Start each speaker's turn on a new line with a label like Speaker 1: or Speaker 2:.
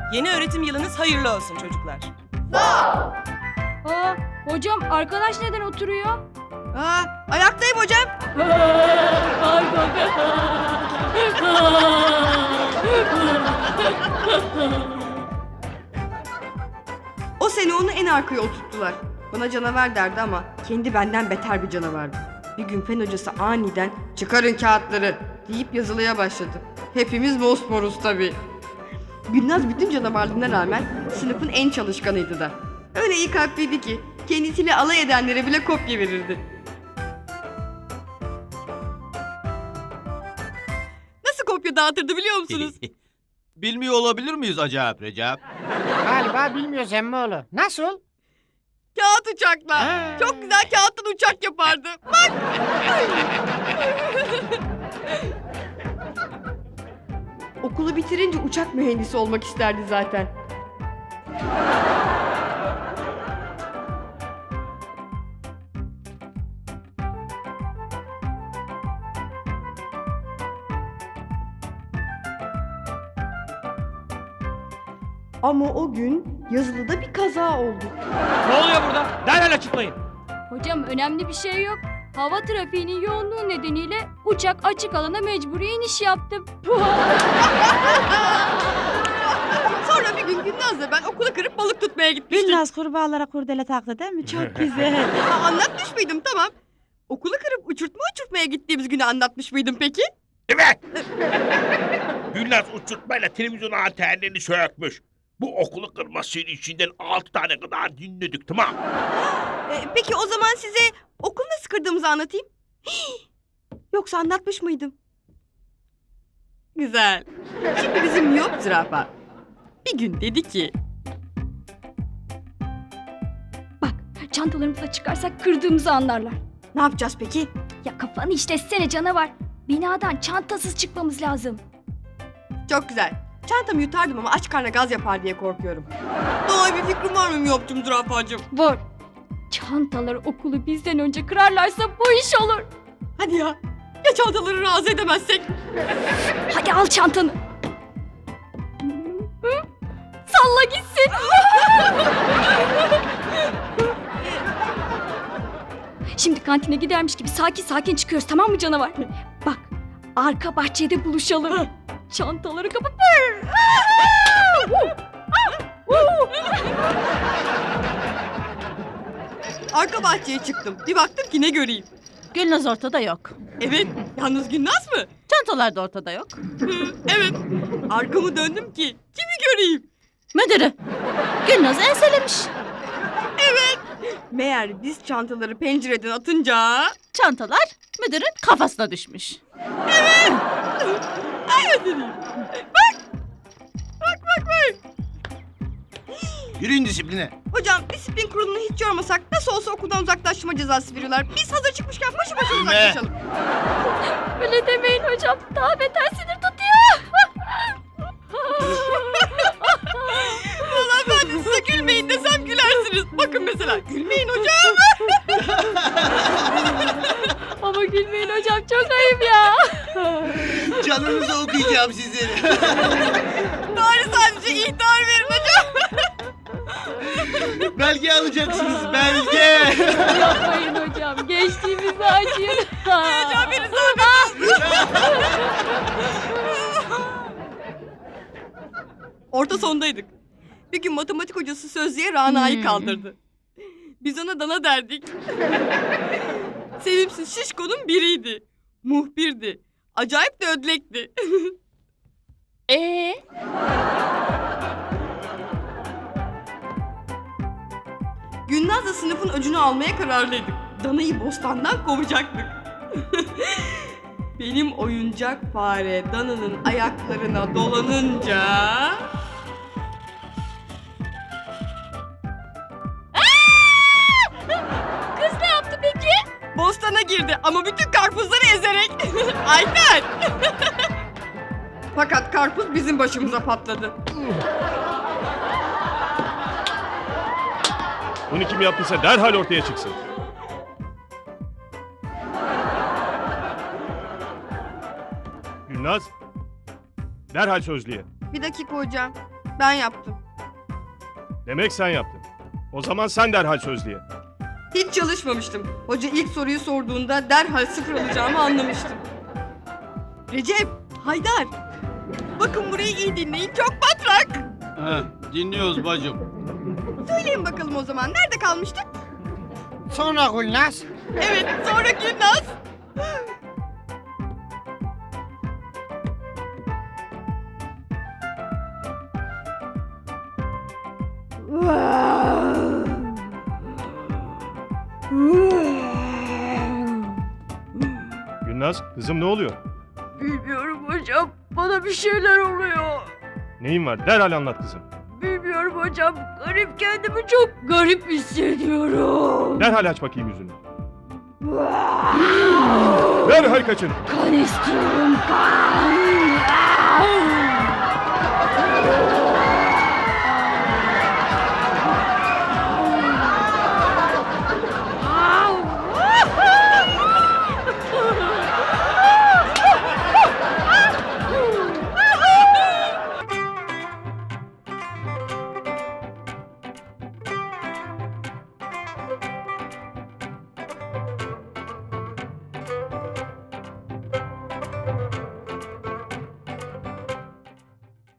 Speaker 1: Yeni öğretim yılınız hayırlı olsun çocuklar.
Speaker 2: Aa, hocam arkadaş neden oturuyor?
Speaker 3: Ayaktayım hocam.
Speaker 2: Pardon.
Speaker 3: O sene onu en arkaya oturttular. Bana canavar derdi ama kendi benden beter bir canavardı. Bir gün fen hocası aniden "Çıkarın kağıtları" deyip yazılıya başladı. Hepimiz mosmoruz tabii. Gülnaz bütün canavarlığına rağmen sınıfın en çalışkanıydı da. Öyle iyi kalpliydi ki kendisiyle alay edenlere bile kopya verirdi. Nasıl kopya dağıtırdı biliyor musunuz?
Speaker 4: Bilmiyor olabilir miyiz acaba Recep?
Speaker 5: Galiba bilmiyoruz Emmoğlu. Nasıl?
Speaker 3: Kağıt uçakla.
Speaker 5: Ha.
Speaker 3: Çok güzel kağıttan uçak yapardı. Bak. Okulu bitirince uçak mühendisi olmak isterdi zaten. Ama o gün yazılıda bir kaza oldu.
Speaker 5: Ne oluyor burada? Derhal açıklayın.
Speaker 2: Hocam önemli bir şey yok. Hava trafiğinin yoğunluğu nedeniyle uçak açık alana mecburi iniş yaptı.
Speaker 3: Sonra bir gün Gülnaz'la ben okulu kırıp balık tutmaya gitmiştik.
Speaker 6: Gülnaz kurbağalara kurdele taktı değil mi? Çok güzel.
Speaker 3: Anlatmış mıydım? Tamam. Okulu kırıp uçurtmaya gittiğimiz günü anlatmış mıydım peki?
Speaker 7: Evet. Gülnaz uçurtmayla televizyon antenlerini sökmüş. Bu okulu kırmasının içinden 6 tane kadar dinledik, tamam.
Speaker 3: Peki o zaman size okul nasıl kırdığımızı anlatayım. Yoksa anlatmış mıydım? Güzel. Şimdi bizim miyop zürafa bir gün dedi ki...
Speaker 2: Çantalarımızı çıkarsak kırdığımızı anlarlar.
Speaker 3: Ne yapacağız peki?
Speaker 2: Ya kafanı işletsene canavar. Binadan çantasız çıkmamız lazım.
Speaker 3: Çok güzel. Çantamı yutardım ama aç karnına gaz yapar diye korkuyorum. Daha bir fikrim var mı miyopcum zürafacığım?
Speaker 2: Var. Çantaları okulu bizden önce kırarlarsa bu iş olur.
Speaker 3: Hadi ya. Ya çantaları razı edemezsek?
Speaker 2: Hadi al çantanı. Salla gitsin. Şimdi kantine gidermiş gibi sakin sakin çıkıyoruz, tamam mı canavar? Bak, arka bahçede buluşalım. Çantaları kapıp...
Speaker 3: Arka bahçeye çıktım. Bir baktım ki ne göreyim.
Speaker 6: Gülnaz ortada yok.
Speaker 3: Evet, yalnız Gülnaz mı?
Speaker 6: Çantalar da ortada yok.
Speaker 3: Evet. Arkamı döndüm ki kimi göreyim?
Speaker 6: Müdürü. Gülnaz enselemiş.
Speaker 3: Meğer biz çantaları pencereden atınca...
Speaker 6: Çantalar müdürün kafasına düşmüş.
Speaker 4: Yürüyün disipline.
Speaker 3: Hocam disiplin kurulunu hiç yormasak nasıl olsa okuldan uzaklaştırma cezası veriyorlar. Biz hazır çıkmışken başı başa uzaklaşalım.
Speaker 2: Öyle demeyin hocam, daha beter sinir tutuyor.
Speaker 3: Vallahi ben de size gülmeyin desem gülersiniz. Bakın mesela gülmeyin hocam.
Speaker 2: Ama gülmeyin hocam, çok ayıp ya.
Speaker 4: Canınızı okuyacağım sizin.
Speaker 3: Bari sadece ihtar verin hocam.
Speaker 4: Belge alacaksınız, belge.
Speaker 2: Yapmayın hocam, geçtiğimizi acıyın.
Speaker 3: Hocam beni zahmet. Orta sondaydık. Bir gün matematik hocası sözlüğe Rana'yı kaldırdı. Biz ona Dana derdik. Sevimsiz şişkonun biriydi. Muhbirdi. Acayip de ödlekti. Gülnaz'la sınıfın öcünü almaya kararlıydık. Dana'yı bostandan kovacaktık. Benim oyuncak fare Dana'nın ayaklarına dolanınca...
Speaker 2: Kız ne yaptı peki?
Speaker 3: Bostana girdi ama bütün karpuzları ezerek. Ayten! Fakat karpuz bizim başımıza patladı.
Speaker 8: Bunu kim yaptıysa derhal ortaya çıksın. Gülnaz, derhal sözlüğe.
Speaker 3: Bir dakika hocam. Ben yaptım.
Speaker 8: Demek sen yaptın. O zaman sen derhal sözlüğe.
Speaker 3: Hiç çalışmamıştım. Hoca ilk soruyu sorduğunda derhal 0 alacağımı anlamıştım. Recep, Haydar. Bakın burayı iyi dinleyin. Çok matrak.
Speaker 4: Dinliyoruz bacım.
Speaker 3: Söyleyin bakalım o zaman. Nerede kalmıştık?
Speaker 5: Sonra Gülnaz.
Speaker 3: Evet, sonra Gülnaz.
Speaker 8: Gülnaz, kızım ne oluyor?
Speaker 2: Bilmiyorum hocam. Bana bir şeyler oluyor.
Speaker 8: Neyin var? Derhal anlat kızım.
Speaker 2: Bilmiyorum hocam. Garip, kendimi çok garip hissediyorum.
Speaker 8: Derhal aç bakayım yüzünü. Derhal kaçın.
Speaker 2: Kan istiyorum, kan.